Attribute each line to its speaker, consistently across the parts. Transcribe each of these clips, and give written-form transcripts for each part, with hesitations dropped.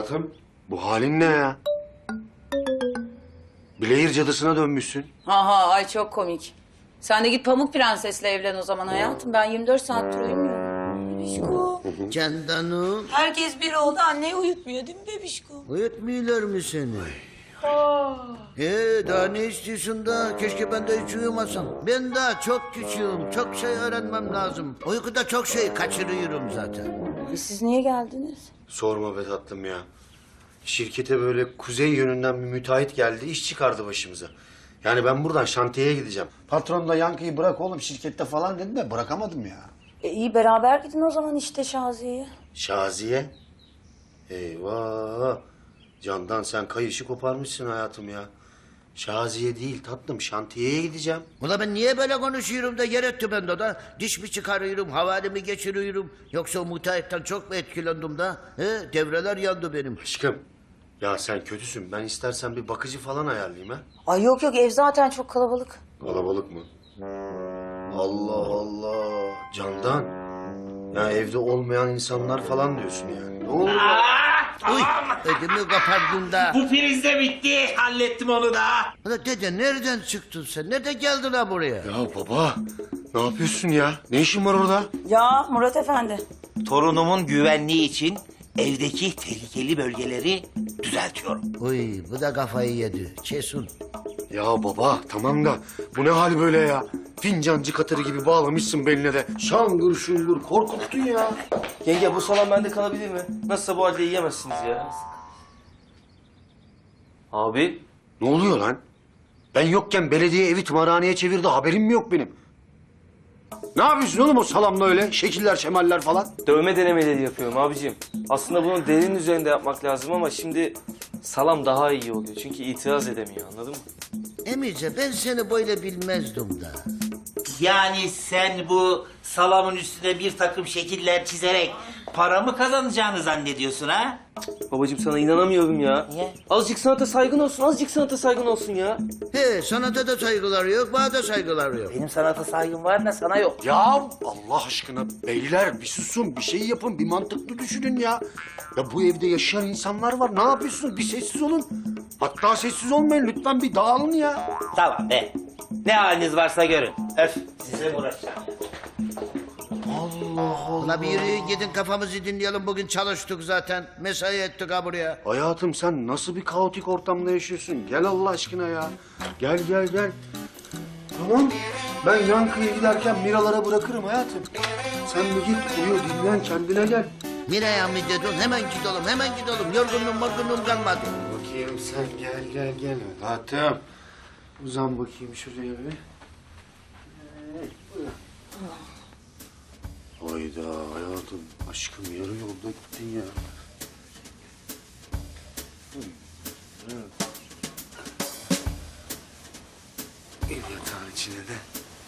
Speaker 1: Hayatım, bu halin ne ya? Bilehir cadısına dönmüşsün.
Speaker 2: Aha ay çok komik. Sen de git Pamuk Prenses'le evlen o zaman hayatım. Ben 24 saattir uyumuyorum. Bebişko.
Speaker 3: Candanım.
Speaker 2: Herkes bir oldu anneyi uyutmuyor değil mi bebişko?
Speaker 3: Uyutmuyorlar mı seni? Daha ne istiyorsun da? Keşke ben de hiç uyumasam. Ben daha çok küçüğüm. Çok şey öğrenmem lazım. Uykuda çok şey kaçırıyorum zaten.
Speaker 2: Siz niye geldiniz?
Speaker 1: Sorma be tatlım ya. Şirkete böyle kuzey yönünden bir müteahhit geldi, iş çıkardı başımıza. Yani ben buradan şantiyeye gideceğim. Patron da Yankı'yı bırak oğlum şirkette falan dedi de bırakamadım ya.
Speaker 2: İyi beraber gidin o zaman işte Şaziye'ye.
Speaker 1: Şaziye? Eyvah! Candan sen kayışı koparmışsın hayatım ya. Şaziye değil tatlım, şantiyeye gideceğim.
Speaker 3: Ula ben niye böyle konuşuyorum da yer etti bende da? Diş mi çıkarıyorum, havalimi geçiriyorum? Yoksa o müteahhitten çok mu etkilendim da? Devreler yandı benim.
Speaker 1: Aşkım, ya sen kötüsün. Ben istersen bir bakıcı falan ayarlayayım ha.
Speaker 2: Ay yok yok ev zaten çok kalabalık.
Speaker 1: Kalabalık mı? Allah Allah. Candan. Ya evde olmayan insanlar falan diyorsun yani. Ne oluyor?
Speaker 3: Uy, ödümü kopardın da.
Speaker 4: Bu priz de bitti. Hallettim onu da.
Speaker 3: Ula dede nereden çıktın sen? Nereden geldin ha buraya?
Speaker 1: Ya baba, ne yapıyorsun ya? Ne işin var orada?
Speaker 2: Ya Murat Efendi.
Speaker 4: Torunumun güvenliği için evdeki tehlikeli bölgeleri düzeltiyorum.
Speaker 3: Uy bu da kafayı yedi. Kesin.
Speaker 1: Ya baba, tamam da bu ne hal böyle ya? Fincancı katırı gibi bağlamışsın beline de. Şangır şungur korkuttun ya.
Speaker 5: Yenge bu salam bende kalabilir mi? Nasılsa bu halde yiyemezsiniz ya. Abi.
Speaker 1: Ne oluyor lan? Ben yokken belediye evi tımarhaneye çevirdi, haberim mi yok benim? Ne yapıyorsun oğlum o salamla öyle? Şekiller, şemaller falan.
Speaker 5: Dövme denemeleri yapıyorum abicim. Aslında bunu derinin üzerinde yapmak lazım ama şimdi salam daha iyi oluyor. Çünkü itiraz edemiyor anladın mı?
Speaker 3: Emice ben seni böyle bilmezdim da.
Speaker 4: Yani sen bu salamın üstüne bir takım şekiller çizerek para mı kazanacağını zannediyorsun ha?
Speaker 5: Babacığım sana inanamıyorum ya.
Speaker 4: Niye?
Speaker 5: Azıcık sanata saygın olsun, azıcık sanata saygın olsun ya.
Speaker 3: He sanata da saygılar yok, bana da saygılar yok.
Speaker 4: Benim sanata saygım var da sana yok.
Speaker 1: Ya Allah aşkına beyler bir susun, bir şey yapın, bir mantıklı düşünün ya. Ya bu evde yaşayan insanlar var, ne yapıyorsunuz? Bir sessiz olun. Hatta sessiz olmayın, lütfen bir dağılın ya.
Speaker 4: Tamam be. Ne haliniz varsa görün. Öf. Size uğraşacağım.
Speaker 3: Ula bir yürüyün gidin kafamızı dinleyelim, bugün çalıştık zaten. Mesai ettik ha buraya.
Speaker 1: Hayatım sen nasıl bir kaotik ortamda yaşıyorsun? Gel Allah aşkına ya. Gel gel gel. Tamam. Ben Yankı'ya giderken Miralara bırakırım hayatım. Sen bir git uyu, dinlen, kendine gel.
Speaker 3: Miraya mı dedin? Hemen gidelim, hemen gidelim. Yorgunluğum kalmadı.
Speaker 1: Bakayım sen gel gel. Hayatım. Uzan bakayım şuraya bir. Hayda hayatım. Aşkım yarı yolda gittin ya. Ev yatağın içine de.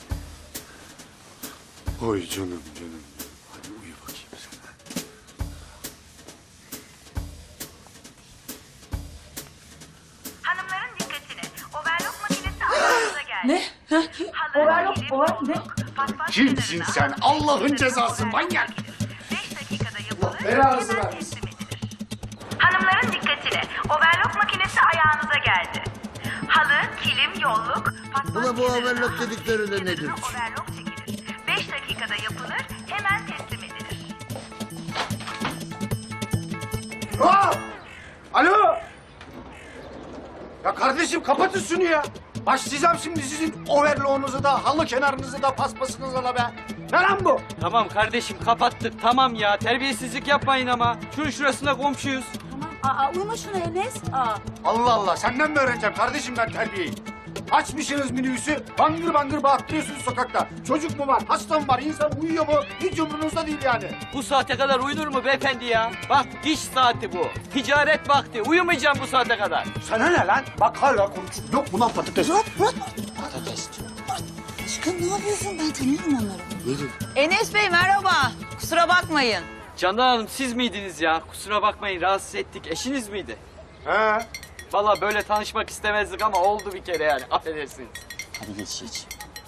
Speaker 1: Oy canım. Hadi uyu bakayım sen.
Speaker 6: Hanımların dikkatine. Overlock makinesi ayağınıza geldi.
Speaker 2: Ne? Ha?
Speaker 6: Overlock ne?
Speaker 1: Kimsin sen? Allah'ın cezası manyak.
Speaker 6: 5 dakikada yapılır.
Speaker 1: Belanızı
Speaker 6: hemen
Speaker 1: vermesin.
Speaker 6: teslim edilir. Hanımların dikkatine. Overlock makinesi ayağınıza geldi. Halı, kilim, yolluk, paspas
Speaker 3: Ula bu
Speaker 6: kenarına,
Speaker 3: overlock
Speaker 6: halı
Speaker 3: dedikleri de
Speaker 6: kenarına
Speaker 3: nedir?
Speaker 6: Overlock çekilir. 5 dakikada yapılır. Hemen teslim edilir.
Speaker 1: Aa! Alo! Ya kardeşim kapatın şunu ya. Başlayacağım şimdi sizin overloğunuzu da, halı kenarınızı da, paspasınızı da be. Ne lan bu?
Speaker 7: Tamam kardeşim kapattık tamam ya terbiyesizlik yapmayın ama. Şunun şurasında komşuyuz.
Speaker 2: Uyuma şuna Enes.
Speaker 1: Allah Allah senden mi öğreneceğim kardeşim ben terbiyeyi? Açmışsınız minibüsü, bangır bangır bağırtıyorsunuz sokakta. Çocuk mu var, hasta mı var, insan uyuyor mu? Hiç umurunuzda değil yani.
Speaker 7: Bu saate kadar uyunur mu beyefendi ya? Bak iş saati bu. Ticaret vakti. Uyumayacağım bu saate kadar.
Speaker 1: Sana ne lan? Bak hala konuşuyor. Yok mu lan patates?
Speaker 2: Aşkım ne yapıyorsun? Ben tanıyorum onları. Enes Bey merhaba. Kusura bakmayın.
Speaker 7: Candan Hanım siz miydiniz ya? Kusura bakmayın rahatsız ettik. Eşiniz miydi?
Speaker 1: He.
Speaker 7: Vallahi böyle tanışmak istemezdik ama oldu bir kere yani. Affedersiniz.
Speaker 4: Hadi geç.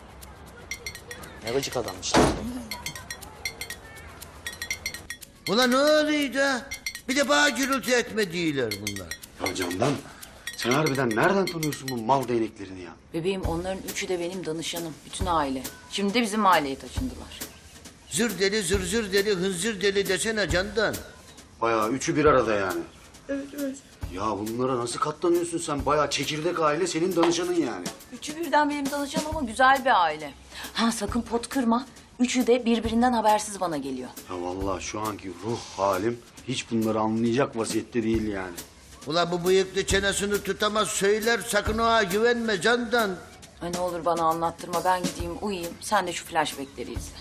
Speaker 4: Ne gıcık adammış.
Speaker 3: Ula ne oluyor da? Bir de bana gürültü etme diyorlar bunlar.
Speaker 1: Ya Candan, sen harbiden nereden tanıyorsun bu mal değneklerini ya?
Speaker 2: Bebeğim onların üçü de benim danışanım. Bütün aile. Şimdi de bizim mahalleye taşındılar.
Speaker 3: Zır deli, zır zır deli, hınzır deli desene Candan.
Speaker 1: Bayağı üçü bir arada yani. Evet. Ya bunlara nasıl katlanıyorsun sen? Bayağı çekirdek aile senin danışanın yani.
Speaker 2: Üçü birden benim danışanım ama güzel bir aile. Ha sakın pot kırma. Üçü de birbirinden habersiz bana geliyor.
Speaker 1: Ya vallahi şu anki ruh halim hiç bunları anlayacak vaziyette değil yani.
Speaker 3: Ulan bu bıyıklı çenesini tutamaz söyler, sakın ona güvenme Candan.
Speaker 2: Ay ne olur bana anlattırma. Ben gideyim uyuyayım. Sen de şu flashbackleri izle.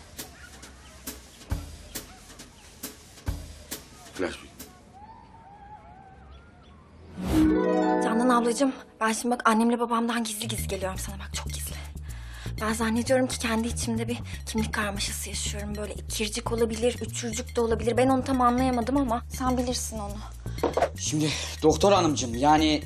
Speaker 1: Flashback.
Speaker 8: Candan ablacığım, ben şimdi bak annemle babamdan gizli gizli geliyorum sana bak çok gizli. Ben zannediyorum ki kendi içimde bir kimlik karmaşası yaşıyorum. Böyle ikircik olabilir, üçürcük de olabilir. Ben onu tam anlayamadım ama sen bilirsin onu.
Speaker 9: Şimdi doktor hanımcığım yani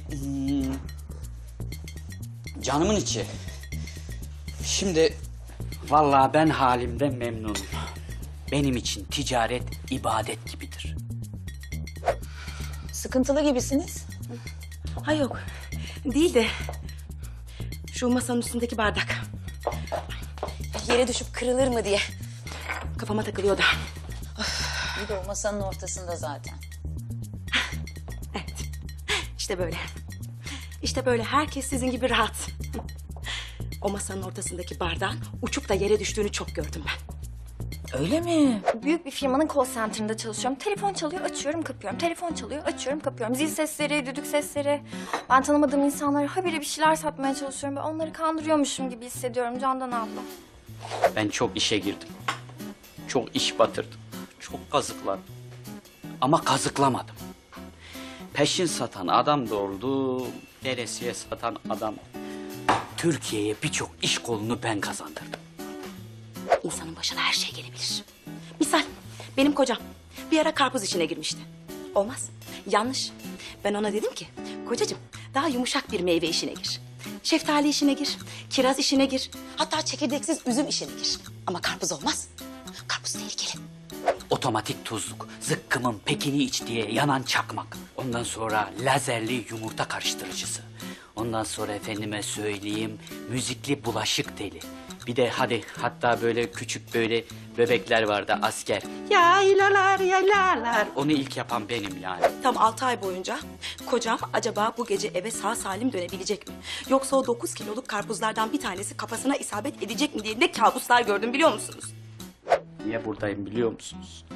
Speaker 9: canımın içi. Şimdi vallahi ben halimden memnunum. Benim için ticaret ibadet gibidir.
Speaker 2: Sıkıntılı gibisiniz.
Speaker 10: Ha yok. Değil de şu masanın üstündeki bardak. Yere düşüp kırılır mı diye kafama takılıyor da.
Speaker 2: Bir de o masanın ortasında zaten.
Speaker 10: Evet. İşte böyle. İşte böyle herkes sizin gibi rahat. O masanın ortasındaki bardağın uçup da yere düştüğünü çok gördüm ben.
Speaker 2: Öyle mi?
Speaker 8: Büyük bir firmanın call center'ında çalışıyorum. Telefon çalıyor, açıyorum, kapıyorum. Telefon çalıyor, açıyorum, kapıyorum. Zil sesleri, düdük sesleri. Ben tanımadığım insanlara habire bir şeyler satmaya çalışıyorum. Ben onları kandırıyormuşum gibi hissediyorum Candan abla.
Speaker 9: Ben çok işe girdim. Çok iş batırdım. Çok kazıkladım. Ama kazıklamadım. Peşin satan adam da oldu. Veresiye satan adam. Türkiye'ye birçok iş kolunu ben kazandırdım.
Speaker 10: İnsanın başına her şey gelebilir. Misal benim kocam bir ara karpuz işine girmişti. Olmaz. Yanlış. Ben ona dedim ki kocacığım daha yumuşak bir meyve işine gir. Şeftali işine gir. Kiraz işine gir. Hatta çekirdeksiz üzüm işine gir. Ama karpuz olmaz. Karpuz tehlikeli.
Speaker 9: Otomatik tuzluk, zıkkımın pekini iç diye yanan çakmak. Ondan sonra lazerli yumurta karıştırıcısı. Ondan sonra efendime söyleyeyim müzikli bulaşık teli. Bir de hatta böyle küçük böyle bebekler vardı asker. Yaylalar yaylalar. Onu ilk yapan benim yani.
Speaker 10: Tam 6 ay boyunca kocam acaba bu gece eve sağ salim dönebilecek mi? Yoksa o 9 kiloluk karpuzlardan bir tanesi kafasına isabet edecek mi diye ne kabuslar gördüm biliyor musunuz?
Speaker 9: Niye buradayım biliyor musunuz?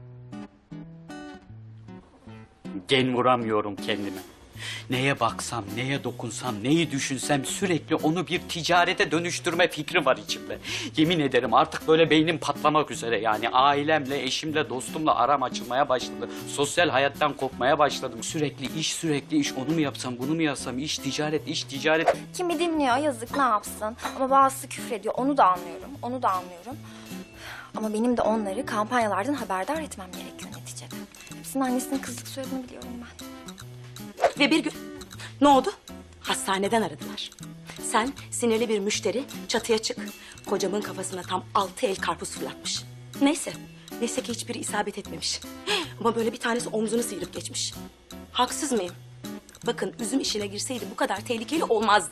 Speaker 9: Gen vuramıyorum kendime. Neye baksam, neye dokunsam, neyi düşünsem sürekli onu bir ticarete dönüştürme fikri var içimde. Yemin ederim artık böyle beynim patlamak üzere yani. Ailemle, eşimle, dostumla aram açılmaya başladı. Sosyal hayattan kopmaya başladım. Sürekli iş, onu mu yapsam, bunu mu yapsam, iş, ticaret.
Speaker 8: Kimi dinliyor yazık ne yapsın. Ama bazısı küfrediyor onu da anlıyorum, onu da anlıyorum. Ama benim de onları kampanyalardan haberdar etmem gerekiyor neticede. Hepsinin annesinin kızlık söylediğini biliyorum ben.
Speaker 10: Ve bir gün ne oldu? Hastaneden aradılar. Sen sinirli bir müşteri çatıya çık. Kocamın kafasına tam 6 el karpuz fırlatmış. Neyse ki hiçbiri isabet etmemiş. Ama böyle bir tanesi omzunu sıyırıp geçmiş. Haksız mıyım? Bakın üzüm işine girseydi bu kadar tehlikeli olmazdı.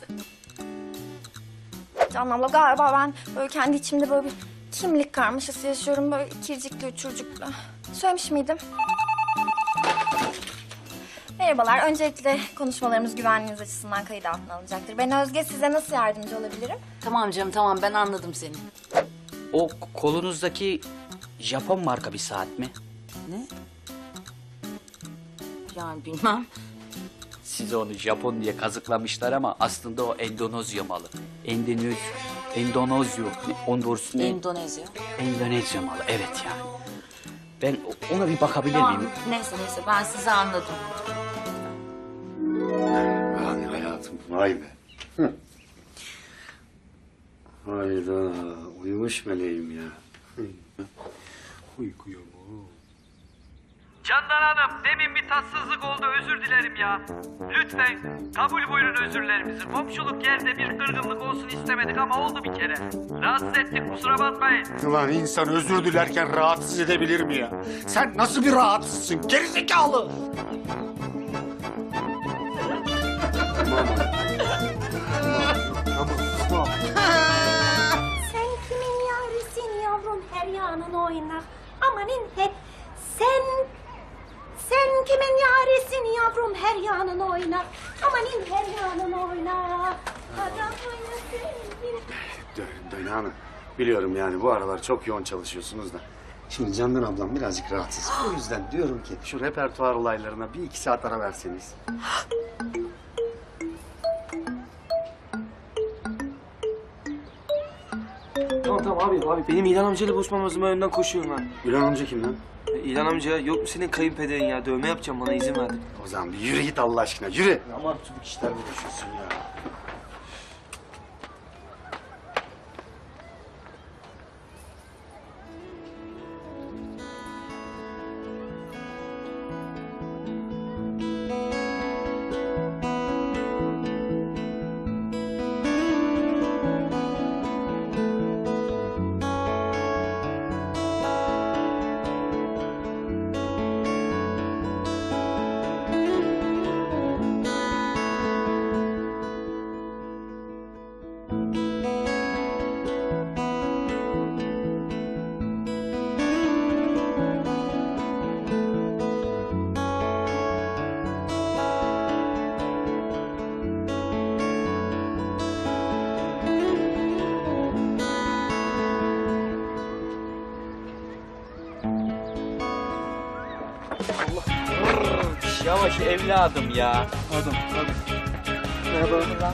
Speaker 8: Canan abla galiba ben böyle kendi içimde böyle bir kimlik karmaşası yaşıyorum. Böyle ikircikli, üçürcüklü. Söylemiş miydim? Merhabalar. Öncelikle konuşmalarımız güvenliğiniz açısından kayıt altına alınacaktır. Ben Özge. Size nasıl yardımcı olabilirim?
Speaker 2: Tamam canım tamam ben anladım seni.
Speaker 9: O kolunuzdaki Japon marka bir saat mi?
Speaker 2: Ne? Yani bilmem.
Speaker 9: Size onu Japon diye kazıklamışlar ama aslında o Endonezya malı. Endonezya malı evet yani. Ben ona bir bakabilir
Speaker 2: Tamam
Speaker 9: miyim?
Speaker 2: neyse ben sizi anladım.
Speaker 1: Yani hayatım vay be. Hı. Hayda uyumuş meleğim ya. Uykuyor mu?
Speaker 7: Candan Hanım, demin bir tatsızlık oldu, özür dilerim ya. Lütfen kabul buyurun özürlerimizi. Komşuluk yerde bir kırgınlık olsun istemedik ama oldu bir kere. Rahatsız ettik, kusura bakmayın.
Speaker 1: Ulan insan özür dilerken rahatsız edebilir mi ya? Sen nasıl bir rahatsızsın gerizekalı? Tamam.
Speaker 11: Sen kimin yavrusun yavrum her yanın oynar. Amanin hep sen kimin yavrusun yavrum her yanın oynar. Amanin her yanın oynar. Adam oynasın.
Speaker 1: Döne Hanım, biliyorum yani bu aralar çok yoğun çalışıyorsunuz da. Şimdi Candan ablam birazcık rahatsız. O yüzden diyorum ki şu repertuar olaylarına bir iki saat ara verseniz.
Speaker 5: Tamam abi. Benim İlhan amcayla buluşmam lazım. Ben önden koşuyorum ha.
Speaker 1: Gülen amca kim lan?
Speaker 5: İlhan amca yok mu senin kayınpederin ya? Dövme yapacağım, bana izin verdi.
Speaker 1: O zaman bir yürü git Allah aşkına, yürü. Aman tübük işlerle uğraşıyorsun ya.
Speaker 7: Yavaş evladım ya.
Speaker 5: Pardon. Merhaba.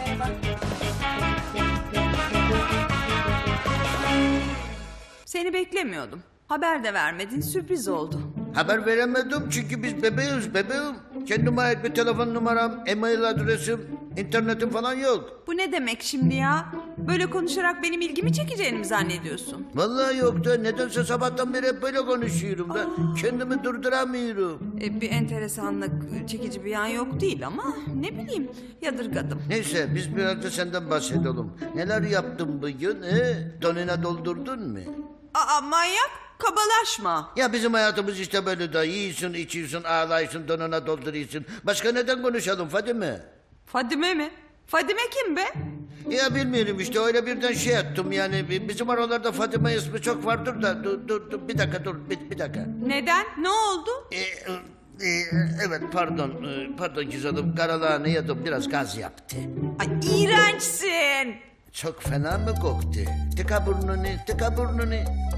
Speaker 12: Seni beklemiyordum. Haber de vermedin, sürpriz oldu.
Speaker 3: Haber veremedim çünkü biz bebeğiz bebeğim. Kendime ait bir telefon numaram, e-mail adresim, internetim falan yok.
Speaker 12: Bu ne demek şimdi ya? Böyle konuşarak benim ilgimi çekeceğini mi zannediyorsun?
Speaker 3: Vallahi yok da nedense sabahtan beri hep böyle konuşuyorum da kendimi durduramıyorum.
Speaker 12: Bir enteresanlık, çekici bir yan yok değil ama ne bileyim yadırgadım.
Speaker 3: Neyse biz biraz da senden bahsedelim. Neler yaptın bugün? Donuna doldurdun mu?
Speaker 12: Aa manyak, kabalaşma.
Speaker 3: Ya bizim hayatımız işte böyle de yiyorsun, içiyorsun, ağlıyorsun, donuna dolduruyorsun. Başka neden konuşalım Fadime?
Speaker 12: Fadime mi? Fadime kim be?
Speaker 3: Ya bilmiyorum işte öyle birden şey ettim yani. Bizim aralarda Fadime ismi çok vardır da. Dur bir dakika dur bir dakika.
Speaker 12: Neden? Ne oldu?
Speaker 3: Evet pardon güzelim. Karalağını yedim biraz gaz yaptı.
Speaker 12: Ay iğrençsin.
Speaker 3: Çok fena mı koktu? Tıka burnunu.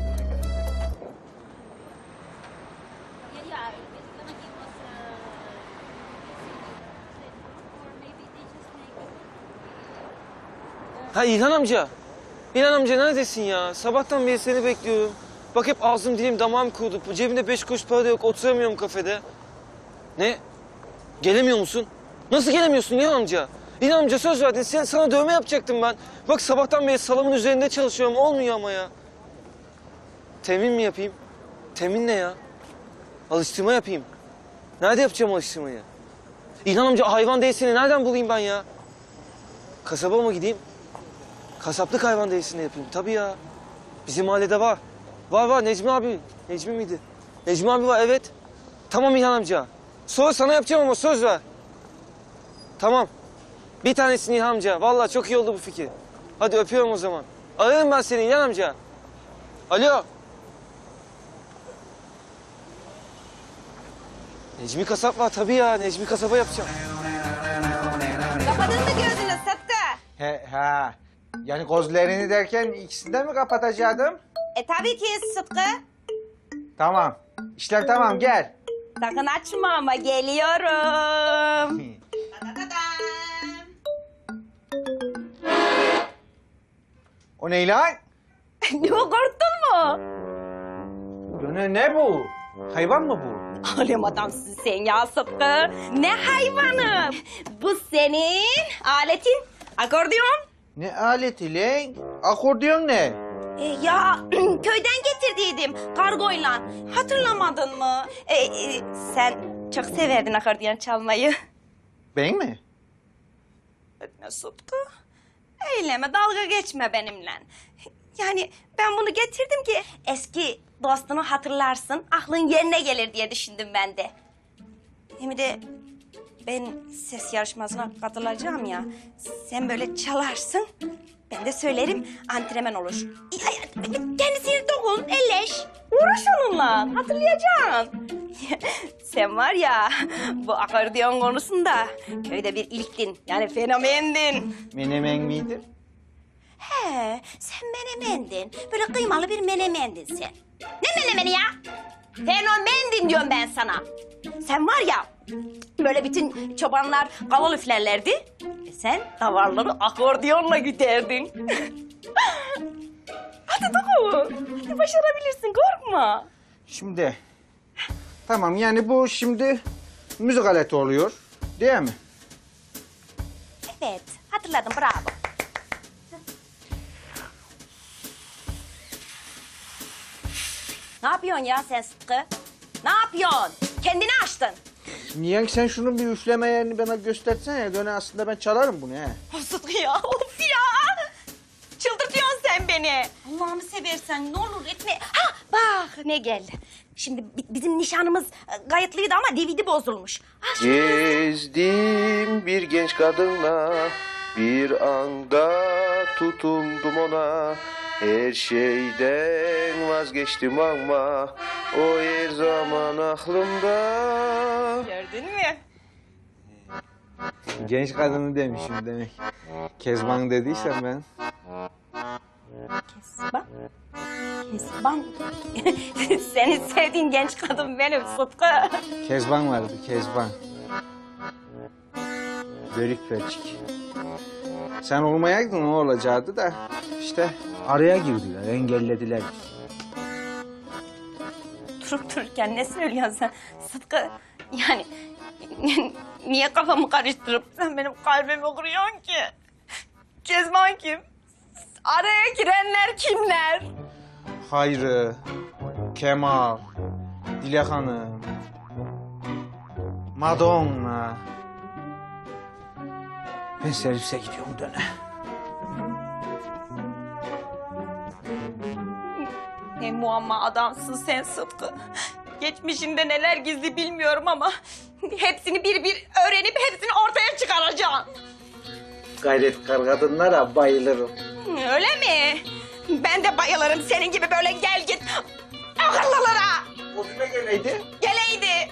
Speaker 5: Ha İlhan amca. İlhan amca neredesin ya? Sabahtan beri seni bekliyorum. Bak hep ağzım dilim damağım kurudu. Cebimde 5 kuruş para da yok. Oturamıyorum kafede. Ne? Gelemiyor musun? Nasıl gelemiyorsun İlhan amca? İlhan amca söz verdin. Sana dövme yapacaktım ben. Bak sabahtan beri salamın üzerinde çalışıyorum. Olmuyor ama ya. Temin mi yapayım? Temin ne ya? Alıştırma yapayım. Nerede yapacağım alıştırmayı? İlhan amca hayvan değilsini nereden bulayım ben ya? Kasaba mı gideyim? Kasaplık hayvan değilsini yapayım. Tabii ya. Bizim mahallede var. Var Necmi abi. Necmi miydi? Necmi abi var evet. Tamam İlhan amca. Sonra sana yapacağım ama söz ver. Tamam. Bir tanesini İlhan amca. Vallahi çok iyi oldu bu fikir. Hadi öpüyorum o zaman. Ararım ben seni İlhan amca. Alo. Necmi kasap var tabii ya. Necmi kasaba yapacağım.
Speaker 11: Kapadın mı gözünü Sıtkı?
Speaker 13: He. Yani gözlerini derken ikisini de mi kapatacaktım?
Speaker 11: Tabii ki Sıtkı.
Speaker 13: Tamam. İşler tamam gel.
Speaker 11: Sakın açma ama geliyorum.
Speaker 13: O ne lan?
Speaker 11: Ne korktun mu?
Speaker 13: Ne bu? Hayvan mı bu?
Speaker 11: Alem adamsın sen ya Sıtkı. Ne hayvanı? Bu senin aletin. Akordeon.
Speaker 13: Ne aleti lan? Akordeon ne?
Speaker 11: Ya köyden getirdim. giderdiydim kargoyla. Hatırlamadın mı? Sen çok severdin akordeon çalmayı.
Speaker 13: Ben mi?
Speaker 11: Ne Sıtkı? Eyleme, dalga geçme benimle. Yani ben bunu getirdim ki eski dostunu hatırlarsın, aklın yerine gelir diye düşündüm ben de. Hem de ben ses yarışmasına katılacağım ya. Sen böyle çalarsın, ben de söylerim, antrenman olur. Kendisini dokun, elleş. Uğraş onunla, hatırlayacaksın. Sen var ya, bu akordeon konusunda köyde bir ilktin. Yani fenomendin.
Speaker 13: Menemen miydim?
Speaker 11: He, sen menemendin. Böyle kıymalı bir menemendin sen. Ne menemeni ya? Fenomendin diyorum ben sana. Sen var ya, böyle bütün çobanlar kaval üflerlerdi. Sen davarları akordiyonla güterdin. Hadi dokun. Hadi başarabilirsin, korkma.
Speaker 13: Şimdi, tamam yani bu şimdi müzik aleti oluyor, değil mi?
Speaker 11: Evet, hatırladım, bravo. Ne yapıyorsun ya sen Sıtkı? Ne yapıyorsun? Kendini açtın.
Speaker 13: Niye sen şunun bir üfleme yerini bana göstersene ya. Döne aslında ben çalarım bunu he.
Speaker 11: Sıtkı ya, of ya! Çıldırtıyorsun sen beni. Allah'ını seversen ne olur etme. Ha bak ne geldi. Şimdi bizim nişanımız kayıtlıydı ama DVD bozulmuş.
Speaker 1: Gezdim bir genç kadınla, bir anda tutundum ona. Her şeyden vazgeçtim ama o her zaman aklımda.
Speaker 11: Gördün mü?
Speaker 13: Genç kadını demişim demek. Kezban dediysem ben.
Speaker 11: Kezban? Kezban? Senin sevdiğin genç kadın benim Sıtkı.
Speaker 13: Kezban vardı, Kezban. Börük perçik. Sen olmayaydın o olacaktı da işte araya girdiler, engellediler.
Speaker 11: Durup dururken ne söylüyorsun sen Sıtkı? Yani niye kafamı karıştırıp sen benim kalbimi kırıyorsun ki? Kezban kim? Araya girenler kimler?
Speaker 13: Hayri, Kemal, Dilek Hanım, Madonna. Ben servise gidiyorum döne.
Speaker 11: Ne muamma adamsın sen Sıtkı. Geçmişinde neler gizli bilmiyorum ama hepsini bir bir öğrenip hepsini ortaya çıkaracağım.
Speaker 13: Gayretkar kadınlara bayılırım.
Speaker 11: Öyle mi? Ben de bayılırım senin gibi böyle gel git akıllılara.
Speaker 13: Bugüne geleydi.
Speaker 11: Geleydi.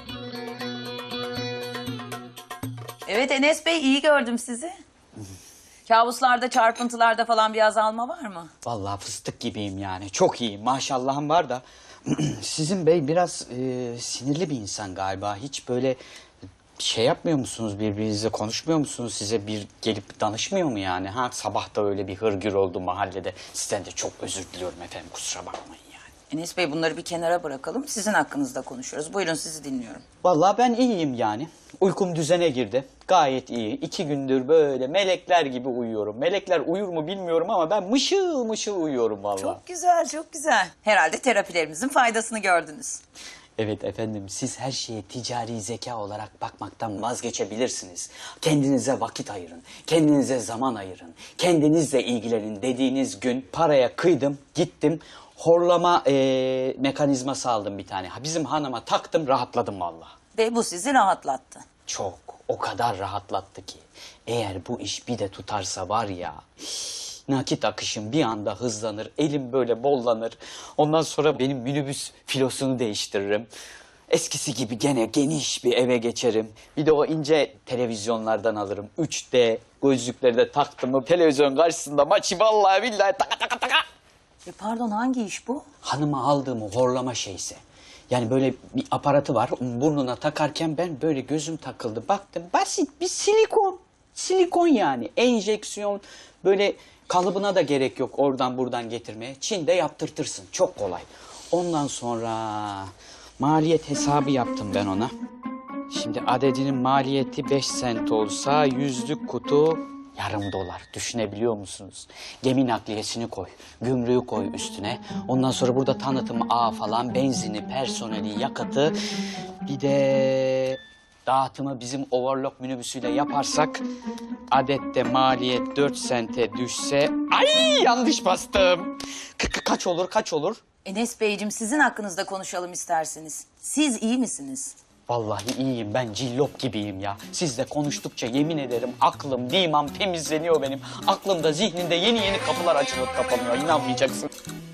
Speaker 2: Evet Enes Bey, iyi gördüm sizi. Kabuslarda, çarpıntılarda falan bir azalma var mı?
Speaker 9: Vallahi fıstık gibiyim yani. Çok iyiyim. Maşallahım var da. Sizin bey biraz sinirli bir insan galiba. Hiç böyle şey yapmıyor musunuz birbirinizle, konuşmuyor musunuz? Size bir gelip danışmıyor mu yani? Ha, sabah da öyle bir hırgür oldu mahallede. Sizden de çok özür diliyorum efendim, kusura bakmayın yani.
Speaker 2: Enes Bey, bunları bir kenara bırakalım. Sizin hakkınızda konuşuyoruz. Buyurun, sizi dinliyorum.
Speaker 9: Vallahi ben iyiyim yani. Uykum düzene girdi. Gayet iyi. 2 gündür böyle melekler gibi uyuyorum. Melekler uyur mu bilmiyorum ama ben mışıl mışıl uyuyorum vallahi.
Speaker 2: Çok güzel, çok güzel. Herhalde terapilerimizin faydasını gördünüz.
Speaker 9: Evet efendim, siz her şeye ticari zeka olarak bakmaktan vazgeçebilirsiniz. Kendinize vakit ayırın, kendinize zaman ayırın, kendinizle ilgilenin dediğiniz gün paraya kıydım, gittim. Horlama mekanizması aldım bir tane. Bizim hanıma taktım, rahatladım vallahi.
Speaker 2: Ve bu sizi rahatlattı.
Speaker 9: Çok, o kadar rahatlattı ki. Eğer bu iş bir de tutarsa var ya, nakit akışım bir anda hızlanır, elim böyle bollanır. Ondan sonra benim minibüs filosunu değiştiririm. Eskisi gibi gene geniş bir eve geçerim. Bir de o ince televizyonlardan alırım. 3D gözlükleri de taktım mı televizyon karşısında maçı vallahi billahi taka taka taka.
Speaker 2: Pardon, hangi iş bu?
Speaker 9: Hanıma aldığım o horlama şeyse. Yani böyle bir aparatı var, burnuna takarken ben böyle gözüm takıldı. Baktım, basit bir silikon. Silikon yani, enjeksiyon, böyle kalıbına da gerek yok oradan buradan getirmeye. Çin'de yaptırtırsın, çok kolay. Ondan sonra maliyet hesabı yaptım ben ona. Şimdi adedinin maliyeti 5 sent olsa 100'lük kutu Yarım dolar. Düşünebiliyor musunuz? Gemi nakliyesini koy, gümrüğü koy üstüne. Ondan sonra burada tanıtım ağı falan, benzini, personeli, yakıtı. Bir de dağıtımı bizim overlock minibüsüyle yaparsak... adette maliyet 4 sente düşse... Ay yanlış bastım. Kaç olur, kaç olur?
Speaker 2: Enes Beyciğim sizin hakkınızda konuşalım isterseniz. Siz iyi misiniz?
Speaker 9: Vallahi iyiyim, ben cillop gibiyim ya. Sizle konuştukça yemin ederim aklım, dimam temizleniyor benim. Aklımda, zihnimde yeni kapılar açılıp kapanıyor, inanmayacaksın.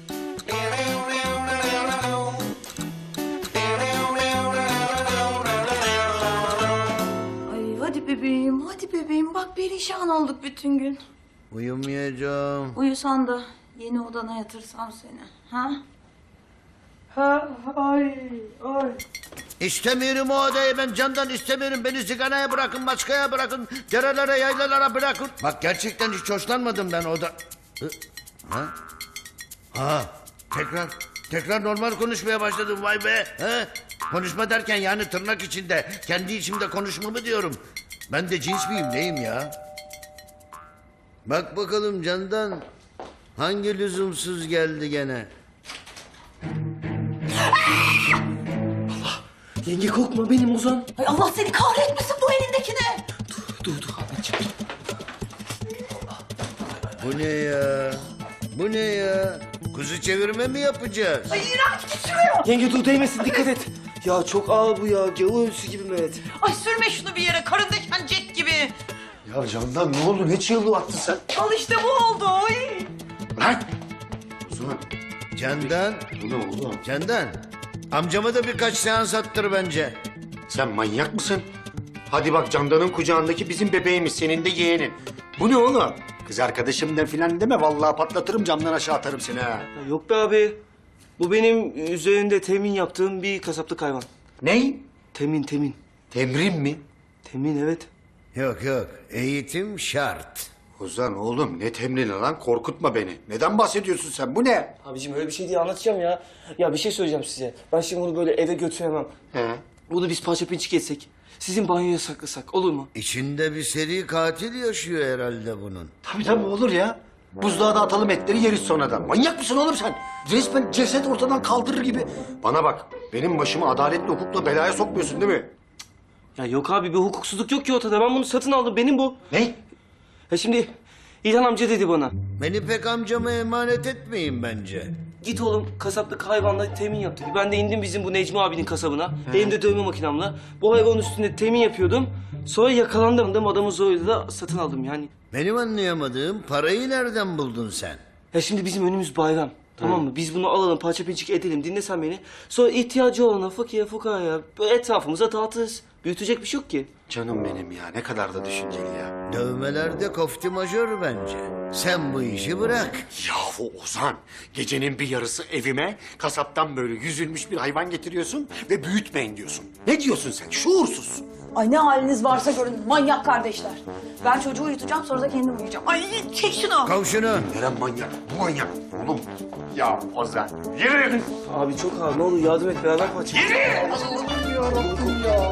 Speaker 2: Ay hadi bebeğim bak perişan olduk bütün gün.
Speaker 3: Uyumayacağım.
Speaker 2: Uyusan da yeni odana yatırsam seni. Ha? Ha ay.
Speaker 3: İstemiyorum o odayı ben Candan istemiyorum. Beni sigaraya bırakın, başkaya bırakın. Derelere, yaylalara bırakın. Bak gerçekten hiç hoşlanmadım ben oda... Ha? Ha, tekrar normal konuşmaya başladım vay be. Ha? Konuşma derken yani tırnak içinde, kendi içimde konuşma mı diyorum. Ben de cins miyim, neyim ya? Bak bakalım Candan, hangi lüzumsuz geldi gene?
Speaker 5: Yenge korkma benim Ozan.
Speaker 2: Ay Allah seni kahretmesin bu elindekine.
Speaker 5: Dur Ahmetciğim.
Speaker 3: Bu ne ya? Bu ne ya? Kuzu çevirme mi yapacağız?
Speaker 2: Ay iğrenç git şuraya.
Speaker 5: Yenge dur değmesin, dikkat et. Ya çok ağır bu ya. Gavur ölüsü gibi Mehmet.
Speaker 2: Ay sürme şunu bir yere karındayken jet gibi.
Speaker 1: Ya Candan ne oldu? Ne çığlığı attın sen?
Speaker 2: Al işte bu oldu. Ay.
Speaker 1: Lan! Ozan,
Speaker 3: Candan,
Speaker 1: bu ne oldu?
Speaker 3: Candan. Amcama da birkaç seans attır bence.
Speaker 1: Sen manyak mısın? Hadi bak Candan'ın kucağındaki bizim bebeğimiz, senin de yeğenin. Bu ne oğlum? Kız arkadaşım ne filan deme, vallahi patlatırım camdan aşağı atarım seni ha.
Speaker 5: Ya yok be abi. Bu benim üzerinde temin yaptığım bir kasaplık hayvan.
Speaker 1: Ney?
Speaker 5: Temin.
Speaker 1: Temrin mi?
Speaker 5: Temin evet.
Speaker 3: Yok, eğitim şart.
Speaker 1: Ozan oğlum ne temrini lan, korkutma beni. Neden bahsediyorsun sen, bu ne?
Speaker 5: Abicim öyle bir şey diye anlatacağım ya. Ya bir şey söyleyeceğim size. Ben şimdi bunu böyle eve götüremem.
Speaker 1: He.
Speaker 5: Bunu biz parça pinçik etsek. Sizin banyoya saklasak olur mu?
Speaker 3: İçinde bir seri katil yaşıyor herhalde bunun.
Speaker 1: Tabii olur ya. Buzluğa da atalım etleri, yeriz sonradan. Manyak mısın oğlum sen? Resmen ceset ortadan kaldırır gibi. Bana bak, benim başımı adaletle hukukla belaya sokmuyorsun değil mi?
Speaker 5: Ya yok abi, bir hukuksuzluk yok ki ortada. Ben bunu satın aldım, benim bu.
Speaker 1: Ne?
Speaker 5: Ya şimdi İlhan amca dedi bana.
Speaker 3: Beni pek amcama emanet etmeyin bence.
Speaker 5: Git oğlum kasaplık hayvanla temin yap dedi. Ben de indim bizim bu Necmi abinin kasabına. Elimde dövme makinamla. Bu hayvanın üstünde temin yapıyordum. Sonra yakalandım, adamı zoruyla da satın aldım yani.
Speaker 3: Benim anlayamadığım parayı nereden buldun sen?
Speaker 5: Ya şimdi bizim önümüz bayram. Tamam mı? Biz bunu alalım, parça pinçik edelim. Dinle sen beni. Sonra ihtiyacı olana, fakire, fukaraya böyle etrafımıza dağıtırız. Büyütecek bir şey yok ki.
Speaker 1: Canım benim ya, ne kadar da düşünceli ya.
Speaker 3: Dövmelerde kofti majör bence. Sen bu işi bırak.
Speaker 1: Yahu Ozan, gecenin bir yarısı evime kasaptan böyle yüzülmüş bir hayvan getiriyorsun ve büyütmeyin diyorsun. Ne diyorsun sen? Şuursuz.
Speaker 2: Ay ne haliniz varsa görün manyak kardeşler. Ben çocuğu uyutacağım sonra da kendim uyuyacağım. Ay çek şunu.
Speaker 3: Kav şunu.
Speaker 1: Neren manyak? Bu manyak. Oğlum. Ya Ozan, yürü.
Speaker 5: Abi çok ağır. Ne olur yardım et, beraber parça.
Speaker 1: Yürü. Allah'ım yarabbim ya.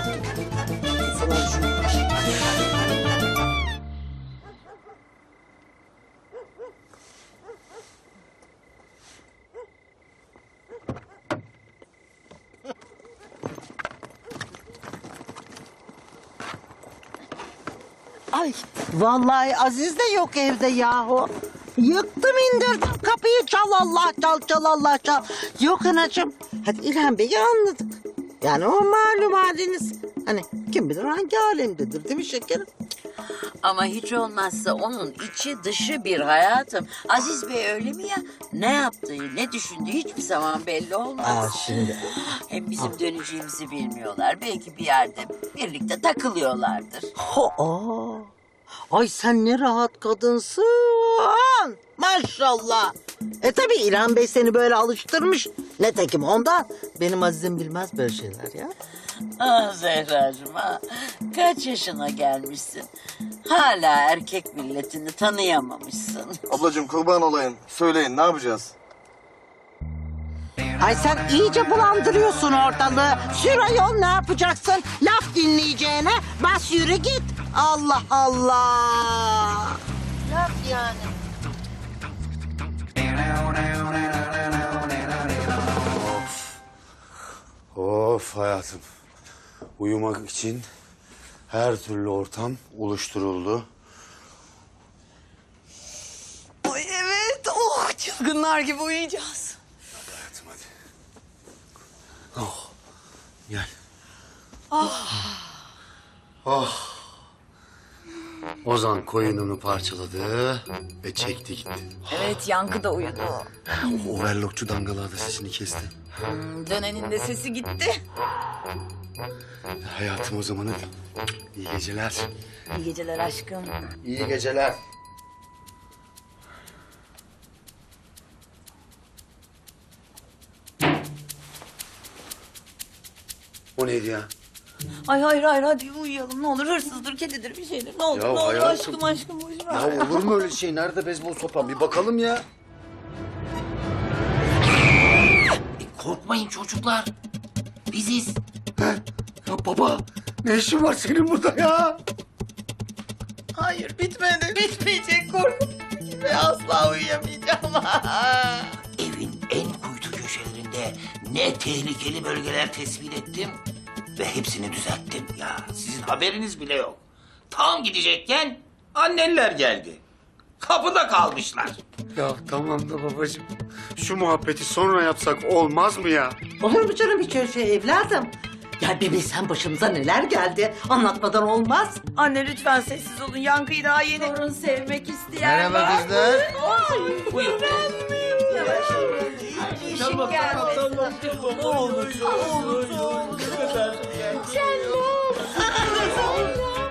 Speaker 14: Ay vallahi Aziz de yok evde yahu. Yıktım indirdim kapıyı, çal Allah çal Allah çal. Yok anacığım. Hadi İlhan Bey'i anladık. Yani o malum haliniz. Hani kim bilir hangi alemdedir değil mi şekerim?
Speaker 15: Ama hiç olmazsa onun içi dışı bir hayatım. Aziz Bey öyle mi ya? Ne yaptığı, ne düşündüğü hiçbir zaman belli olmaz.
Speaker 14: Şimdi.
Speaker 15: Hem bizim döneceğimizi bilmiyorlar. Belki bir yerde birlikte takılıyorlardır.
Speaker 14: Ay sen ne rahat kadınsın. Maşallah. Tabii İlhan Bey seni böyle alıştırmış. Netekim ondan. Benim Aziz'im bilmez böyle şeyler ya.
Speaker 15: Ah Zehracığım ha. Kaç yaşına gelmişsin? Hala erkek milletini tanıyamamışsın.
Speaker 16: Ablacığım kurban olayım. Söyleyin ne yapacağız?
Speaker 14: Ay sen iyice bulandırıyorsun ortalığı. Sür ayol, ne yapacaksın? Laf dinleyeceğine bas yürü git. Allah Allah. Yap yani.
Speaker 1: Of hayatım. Uyumak için her türlü ortam oluşturuldu.
Speaker 12: Ay evet. Oh çılgınlar gibi uyuyacağız.
Speaker 1: Hadi hayatım hadi. Oh. Gel. Oh. Ozan koyununu parçaladı ve çekti gitti.
Speaker 2: Evet, Yankı da uyudu.
Speaker 1: O overlockçu dangalar da sesini kesti.
Speaker 2: Dönenin de sesi gitti.
Speaker 1: Hayatım o zaman hadi. İyi geceler.
Speaker 2: İyi geceler aşkım.
Speaker 1: İyi geceler. O neydi ya?
Speaker 2: Ay hayır hadi uyuyalım ne olur, hırsızdır kedidir bir şeydir ne olur
Speaker 1: Ya
Speaker 2: ne olur
Speaker 1: hayatım.
Speaker 2: aşkım boş ver.
Speaker 1: Ya olur mu öyle şey? Nerede beyzbol sopan? Bir bakalım ya.
Speaker 4: Korkmayın çocuklar. Biziz.
Speaker 1: Ya baba ne işin var senin burada ya?
Speaker 2: Hayır bitmedi, bitmeyecek korkum ve asla uyuyamayacağım.
Speaker 4: Evin en kuytu köşelerinde ne tehlikeli bölgeler tespit ettim ve hepsini düzelttim. Ya sizin haberiniz bile yok. Tam gidecekken anneler geldi. Kapıda kalmışlar.
Speaker 1: Ya tamam da babacığım. Şu muhabbeti sonra yapsak olmaz mı ya?
Speaker 14: Olur mu canım hiç öyle şey evladım? Ya bir bilsen başımıza neler geldi. Anlatmadan olmaz.
Speaker 2: Anne lütfen sessiz olun, Yankı'yı daha yeni. Torun sevmek isteyen
Speaker 3: Merhaba kızlar.
Speaker 4: Buyurun.
Speaker 2: Yavaş. İşin gelmesin. Ne olur. Canım.